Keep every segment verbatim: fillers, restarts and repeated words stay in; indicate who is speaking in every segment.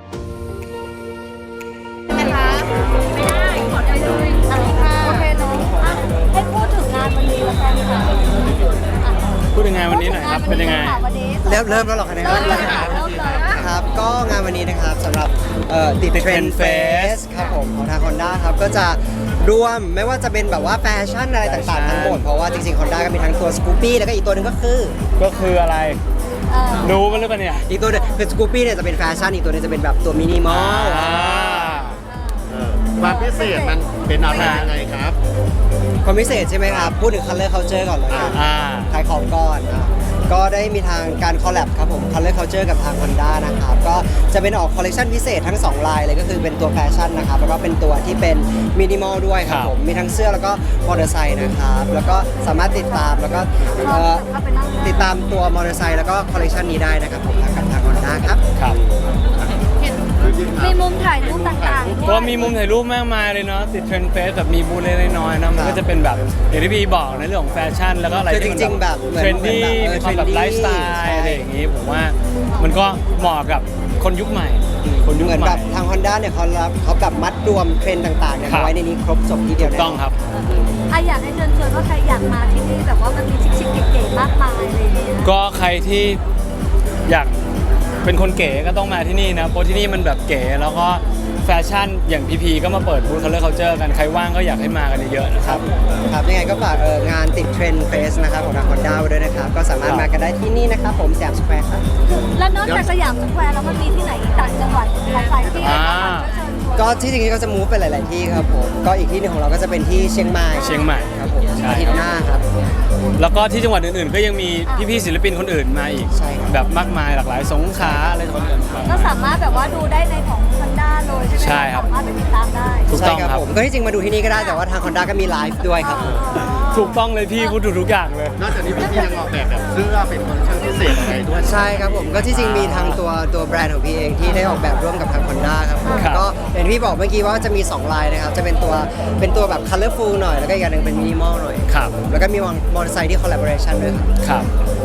Speaker 1: นะคะไม่ได้ขอได้เลยอ่ะโอเคเนาะให้พูดถึงงานวันนี้แล้วกันค่ะ
Speaker 2: พูดถึงงานวันนี้หน่อยครับเป็นยังไง
Speaker 3: เริ่มเริ่มแล้วหรอคะเนี่ย
Speaker 1: เริ่มเลยค่ะเริ่มเลย
Speaker 3: ครับก็งานวันนี้นะครับสำหรับเอ่อติดเทรนด์เฟสครับผมของทาง Honda ครับก็จะรวมไม่ว่าจะเป็นแบบว่าแฟชั่นอะไรต่างๆทั้งหมดเพราะว่าจริงๆ Honda ก็มีทั้งตัว Scoopy แล้วก็อีกตัวหนึงก็คือ
Speaker 2: ก็คืออะไร
Speaker 1: เออ
Speaker 2: รู้มันหรือเปล่าเนี่ย
Speaker 3: อีกตัวหนึงคือ Scoopy เนี่ยจะเป็นแฟชั่นอีกตัวหนึงจะเป็นแบบตัวมินิมอล
Speaker 2: อ่า
Speaker 4: ความพิเศษมันเป็นอะไรยังไงครับ
Speaker 3: ความพิเศษใช่ไหมครับพูดถึง Color Culture ก่อนเลยกัน
Speaker 2: อ่า
Speaker 3: ขายของก่อนอ่ะก็ได้มีทางการคอลแลบครับผม Color Culture กับทาง Honda นะครับก็จะเป็นออกคอลเลคชันพิเศษทั้งสองลายเลยก็คือเป็นตัวแฟชั่นนะครับแล้วก็เป็นตัวที่เป็นมินิมอลด้วยครับผมมีทั้งเสื้อแล้วก็มอเตอร์ไซค์นะครับแล้วก็สามารถติดตามแล้วก็เอ่อติดตามตัวมอเตอร์ไซค์แล้วก็คอลเลคชันนี้ได้นะครับผมทางกับทาง Honda ครับ
Speaker 2: ครับ
Speaker 1: มีมุมถ่ายรูปต่างๆ
Speaker 2: ก็มีมุมถ่ายรูปมากมายเลยเนาะติดเทรนด์เฟสแบบมีบูธเล็กๆน้อยๆนะมันก็จะเป็นแบบอย่างที่พี่บอกในเรื่องของแฟชั่นแล้วก็อะไร
Speaker 3: คือจริงๆแบบเหมือน
Speaker 2: เทรนดี้
Speaker 3: เหมือนแบบเออ
Speaker 2: มีความแบบ
Speaker 3: trendy
Speaker 2: ไลฟ์สไต
Speaker 3: ใช่
Speaker 2: ล์อะไรอย่างงี้ผมว่ามันก็เหมาะกับคนยุคใหม่ คนยุค
Speaker 3: เหมือน
Speaker 2: ให
Speaker 3: แบ
Speaker 2: ม่
Speaker 3: บทาง Honda เนี่ยเขารับเขาแบบมัดรวมเทรนด์ต่างๆเนี่ย
Speaker 2: ครับ
Speaker 3: มาไว้ในนี้ครบจบทีเดียวแน่นน
Speaker 2: ต้องครับ
Speaker 1: อ่ะอยากให้เชิญชวนว่าใครอยากมาที่นี่แบบว่ามันมีชิคๆเก๋ๆมากมายอะไรอย่างเงี้ย
Speaker 2: ก็ใครที่อยากเป็นคนเก๋ก็ต้องมาที่นี่นะเพราะที่นี่มันแบบเก๋แล้วก็แฟชั่นอย่างพีพีก็มาเปิดบูธ Color Culture กันใครว่างก็อยากให้มากันเยอะๆนะครับ
Speaker 3: ครับยังไงก็ฝากเอ่องานติดเทรนด์เฟสนะครับของทาง Honda ไว้ด้วยนะครับก็สามารถมากันได้ที่นี่นะครับผมสยามสแควร์ครับ
Speaker 1: แล้วนอกจากสยามสแควร์แล้วมันมีที่ไหนอีกต่างจังหวัดหลายๆที่
Speaker 2: อ่า
Speaker 3: ก็ที่จริงๆก็จะมูฟไปหลาย ๆ ที่ครับผมก็อีกที่หนึงของเราก็จะเป็นที่เชียงใหม่
Speaker 2: เชียงใหม่
Speaker 3: ครับผม
Speaker 2: ใช่
Speaker 3: อาทิตย์หน้าครับ
Speaker 2: แล้วก็ที่จังหวัดอื่นๆ ก็ยังมีพี่ๆศิลปินคนอื่นมาอีก
Speaker 3: ใช่ครับ
Speaker 2: แบบมากมายหลากหลายสงขลาอะไรต่างๆ
Speaker 1: ก็สามารถแบบว่าดูได้ในของ Honda เลยใช่ไหม
Speaker 2: ใช่ครับ
Speaker 1: สามารถไปติดตามได้
Speaker 2: ถูก
Speaker 3: ใช่
Speaker 2: ต้อง
Speaker 3: ครับ
Speaker 2: ครับ
Speaker 3: ผมก็ที่จริงมาดูที่นี่ก็ได้แต่ว่าทาง Honda ก็มีไลฟ์ด้วยครับผม
Speaker 2: ถูกต้องเลยพี่พูดถูกทุกอย่างเลย
Speaker 4: นอกจากนี้พี่ยังออกแบบแบบเสื้อเป็นคอลเลคชั่นพิเศษอะไรด้วย
Speaker 3: ใช่ครับผมก็ที่จริงมีทางตัวตัวแบรนด์ของพี่เองที่ได้ออกแบบร่วมกับทาง Honda ครับผม
Speaker 2: ครับ
Speaker 3: ก็อย่างที่พี่บอกเมื่อกี้ว่าจะมีสองลายนะครับจะเป็นตัวเป็นตัวแบบ colorful หน่อยแล้วก็อีกอย่างหนึ่งเป็นมินิมอลหน่อย
Speaker 2: ครับ
Speaker 3: แล้วก็มีมอเตอร์ไซค์ที่ collaboration ด้วยครับ
Speaker 2: ครับ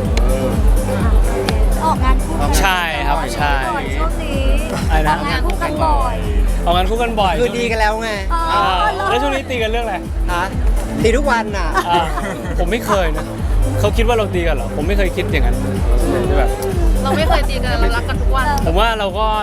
Speaker 1: ออกงานคู่กัน
Speaker 2: ใช่ครับใช่
Speaker 1: บ่อยช่วงนี้
Speaker 2: อะไรนะ
Speaker 1: ออกงานคู่กันบ่อย
Speaker 2: ออกงานคู่กันบ่อย
Speaker 3: คือดีกันแล้วไง
Speaker 1: อ๋อ
Speaker 2: อ่า
Speaker 1: เลิศ
Speaker 2: แล้วช่วงนี้ตีกันเรื่องอะไร
Speaker 3: ฮะตีทุกวันน่ะ
Speaker 2: อ่าผมไม่เคยนะเขาคิดว่าเราตีกันเหรอผมไม่เคยคิดอย่างนั้นแบบ
Speaker 5: เราไม่เคยตีกันเรารักกันทุกวัน
Speaker 2: ผมว่าเราก็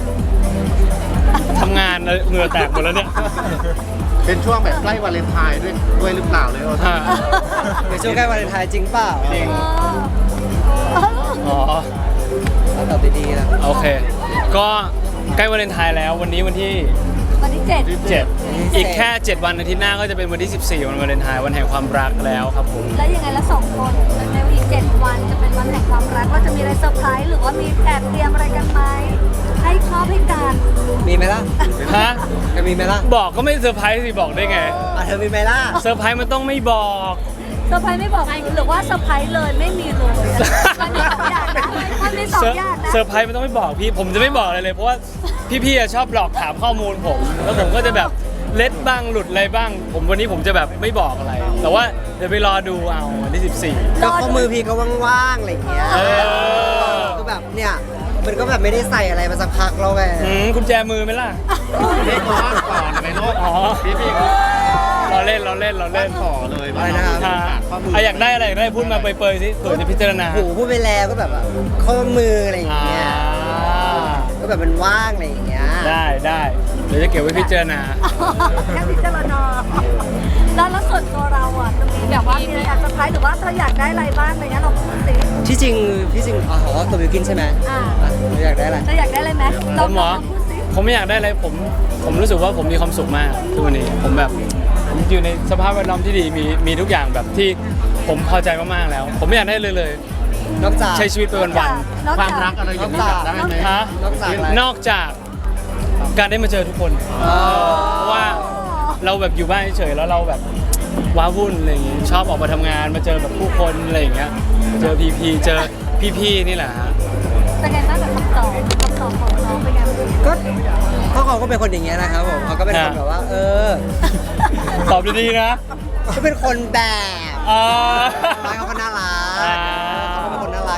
Speaker 2: ทำงานเหงื่อแตกหมดแล้วเนี่ย
Speaker 4: เป็นช่วงแบบใกล้วาเลนไทน์ด้วยด้วยหรือเปล่าเลยโอ้
Speaker 2: อ่า
Speaker 3: ในช่วงใกล้วาเลนไทน์จริงเปล่า
Speaker 2: จริง
Speaker 1: เออ
Speaker 2: อ๋อ
Speaker 3: เอาตอบดีๆนะ
Speaker 2: โอเค ก็ใกล้วาเลนไทน์แล้ววันนี้วันที่
Speaker 1: วันที่เจ็ด
Speaker 2: เจ็ดอีกแค่ เจ็ด วันอาทิตย์หน้าก็จะเป็นวันที่ สิบสี่ วันวาเลนไทน์วันแห่งความรักแล้วครับผม
Speaker 1: แล้วยังไงแล้วสองคนในอีกเจ็ดวันจะเป็นวันแห่งความรักเราจะมีอะไรเซอร์ไพรส์หรือว่ามีแอบเตรียมอะไรกันไหมให้ชอบให้กัน
Speaker 3: มีไหมล่ะ
Speaker 2: ฮะ
Speaker 3: จะมีไหมล่ะ
Speaker 2: บอกก็ไม่เซอร์ไพรส์สิบอกได้ไง
Speaker 3: อ่ะเธอมีไหมล่ะ
Speaker 2: เซอร์ไพรส์มันต้องไม่บอก
Speaker 1: เซอร์ไพรส์ไม่บอกหรือว่าเซอร์ไพรส์เลยไม่มีเลยมันมีสองอย่างนะมันมีสอง
Speaker 2: เซอร์
Speaker 1: อย่างนะ
Speaker 2: เซอร์ไพรส์มันต้องไม่บอกพี่ ผมจะไม่บอกอะไรเลย เพราะว่าพี่ๆอะชอบหลอกถามข้อมูลผม แล้วผมก็จะแบบเล็ดบ้างหลุดอะไรบ้าง ผมวันนี้ผมจะแบบไม่บอกอะไร แต่ว่าเดี๋ยวไปรอดูเอาวันที่ สิบสี่
Speaker 3: ก็ข้อมือพี่ก็ว่างๆอะไรอย่างเงี้ย
Speaker 2: เออ
Speaker 3: ก็แบบเนี่ยมันก็แบบไม่ได้ใส่อะไรมาสักพักแล้วไง
Speaker 2: อืมกุญแจมือไหมล่ะ
Speaker 4: พี่ก็ว่างก่อนไหมลูก
Speaker 2: อ๋อ
Speaker 4: พี่พี่ก็
Speaker 2: เราเล่นเราเล่นเรา
Speaker 4: เล่
Speaker 2: เล่
Speaker 4: น
Speaker 2: น
Speaker 4: ต่อเลย
Speaker 3: อะไรนะครับ
Speaker 2: อ่า
Speaker 4: ข้อมือ
Speaker 2: อ่ะอยากได้อะไรอยากได้พูดมาเปรยๆสิเผื่อจะพิจารณา
Speaker 3: โอ้โหพูดไปแล้วก็แบบว่าข้อมืออะไรอย่าง
Speaker 2: อ่า
Speaker 3: เงี้ยก็แบบมันว่างอะไรอย่างเงี้ย
Speaker 2: ได้ได้เดี๋ยวจะเก็บไว้พิจารณา
Speaker 1: แค่พิจารณาแล้วแล้วส่วนตัวเราอ่ะจะมีแบบว่ามีอะไรอยากเซอร์ไพรส์หรือว่าเธออยากได้อะไรบ้างอะไรเงี้ยเราพูดสิ
Speaker 3: ที่จริงที่จริงอ๋อตัวบิวกินใช่ไหม
Speaker 1: อ่า
Speaker 3: อ่ะอยากได้อะไร
Speaker 1: เธออยากได้อะไรไหม
Speaker 2: ผ
Speaker 1: เรา
Speaker 2: มเหรอ
Speaker 1: พูดสิ
Speaker 2: ผมไม่อยากได้อะไรผมผมรู้สึกว่าผมมีความสุขมากทุกวันนี้ผมแบบผมอยู่ในสภาพแวดล้อมที่ดีมีมีทุกอย่างแบบที่ผมพอใจมากๆแล้ว ผมไม่อยากได้เลยเลย
Speaker 3: นอกจาก
Speaker 2: ใช้ชีวิตไปวัน
Speaker 1: นอก
Speaker 4: ความ
Speaker 1: จาก
Speaker 4: รักอะไรอย่างนี้อยากได้ไหม
Speaker 2: ๆฮะ
Speaker 3: นอกจากอะไร
Speaker 2: นอกจากการได้มาเจอทุกคน
Speaker 3: อ๋อ
Speaker 2: เพราะว่าเราแบบอยู่บ้านเฉยๆแล้วเราแบบว้าวุ่นอะไรอย่างงี้ชอบออกมาทำงานมาเจอแบบผู้คนอะไรอย่างเงี้ยเจอพีพีเจอพี่ๆนี่แหละฮะ
Speaker 1: เป็นไงบ้างกับคำตอบคำตอบของน้องเป็นไงบ้าง
Speaker 3: ก็เขาเขาก็เป็นคนอย่างเงี้ยนะครับผมเขาก็เป็นคนแบบว่า เออ
Speaker 2: ตอบดีๆนะ
Speaker 3: ก็เป็นคนแบบ
Speaker 2: อ่า
Speaker 3: ร้านเขาก็น่ารัก
Speaker 2: อ่า
Speaker 3: เขาก็เป็นคนน่ารักอย่างเงี้ยแหละครับ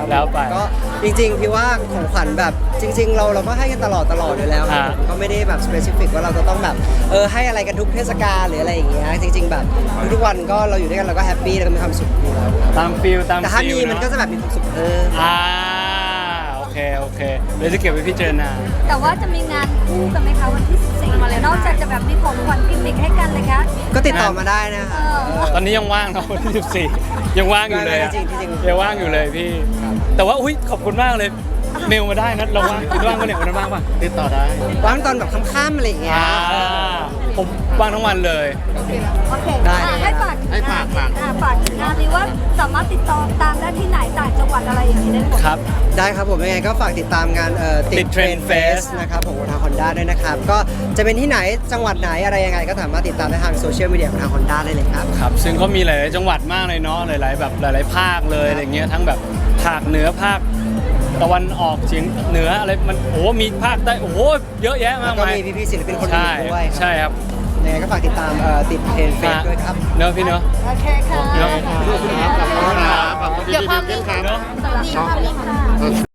Speaker 3: ครับ
Speaker 2: แล้วไป
Speaker 3: ก็จริงๆพี่ว่าของขวัญแบบจริง ๆ เราเราก็ให้กันตลอดตลอดอยู่แล้วครับ
Speaker 2: ฮะ
Speaker 3: ผมก็ไม่ได้แบบสเปซิฟิกว่าเราจะต้องแบบเออให้อะไรกันทุกเทศกาลหรืออะไรอย่างเงี้ยจริง ๆ แบบทุกๆวันก็เราอยู่ด้วยกันเราก็แฮปปี้แล้วก็มีความสุขอยู่แล้วครับ
Speaker 2: ตามฟิลตาม
Speaker 3: แต่ถ้า
Speaker 2: ฟิ
Speaker 3: มี
Speaker 2: ล
Speaker 3: มัน
Speaker 2: เนาะ
Speaker 3: ก็จะแบบมีความสุขเออ
Speaker 2: อ่าโอเคโอเคเดี๋ยวจะเก็บไว้พิจารณา
Speaker 1: แต่ว่าจะมีงานคู่กันไหมคะวันที่สิบสี่นอกจากจะแบบมีของขวัญกิมมิคให้กันเลยคะ
Speaker 3: ก็ติดต่อมาได้นะ
Speaker 1: เอ
Speaker 3: คะ
Speaker 1: อ
Speaker 2: ตอนนี้ยังว่างเนาะวันที่สิบสี่ยังว่างอยู่เลยอะ
Speaker 3: จริงๆจริงๆ
Speaker 2: ยังว่างอยู่เลยพี่ แต่ว่าอุ้ยขอบคุณมากเลยเมลมาได้นะเราว่างคุณว่างปะเนี่ยวันนั้นว่างปะ
Speaker 4: ติดต่อได้
Speaker 3: ว่างตอนแบบค่ำๆอะไรอย่างเงี้ย
Speaker 2: อ่าผมว่างทั้งวันเลย
Speaker 1: โอเค
Speaker 3: ได้
Speaker 1: อ่ะให้ฝาก
Speaker 4: ให้ฝากฝาก
Speaker 1: อ่ะฝากงานนี้ว่าสามารถติดต่อตามได้ที่ไหนต่างจังหวัดอะไรอย่างนี้ได้หมด
Speaker 2: ครับ
Speaker 3: ได้ครับผมยังไงก็ฝากติดตามงานเอ่อ
Speaker 2: ติ
Speaker 3: ติ
Speaker 2: ด
Speaker 3: ด
Speaker 2: เท
Speaker 3: เท
Speaker 2: ร
Speaker 3: ร
Speaker 2: น
Speaker 3: น
Speaker 2: ด์
Speaker 3: เฟ
Speaker 2: Fest
Speaker 3: สนะครับผมของทาง Honda ด้วยนะครับ ก็จะเป็นที่ไหนจังหวัดไหนอะไรยังไงก็สามารถติดตามได้ทางโซเชียลมีเดียของทาง Honda ได้เลยครับ
Speaker 2: ครับซึ่งก็มีหลายๆจังหวัดมากเลยเนาะหลาย ๆ แบบหลาย ๆ ภาคเลยอะไรเงี้ยทั้งแบบภาคเหนือภาคตะวันออกเฉียงเหนืออะไรมันโอ้โหมีภาคใต้โอ้โหเยอะแยะ
Speaker 3: แล้
Speaker 2: มาว ก
Speaker 3: ก็
Speaker 2: มาย
Speaker 3: มีพี่ๆศิลปินคนอื่
Speaker 2: ใช่
Speaker 3: นด้วย
Speaker 2: ใช่ครับ
Speaker 3: ยังไงก็ฝากติดตามเอ่อติดเทรนเฟสด้วยครับ
Speaker 2: เนอะพี่เนอะ
Speaker 1: โอเคค่ะ
Speaker 2: เนอะ
Speaker 4: ขอบคุณครับขอบคุณครับขอบคุณ
Speaker 5: เดี๋ยว
Speaker 4: พี่
Speaker 5: ภาพ
Speaker 4: บิ
Speaker 5: นิ่
Speaker 4: ว
Speaker 5: ง
Speaker 4: ครับ
Speaker 2: เนอะ
Speaker 1: สำหรับภาพนี้ค่ะ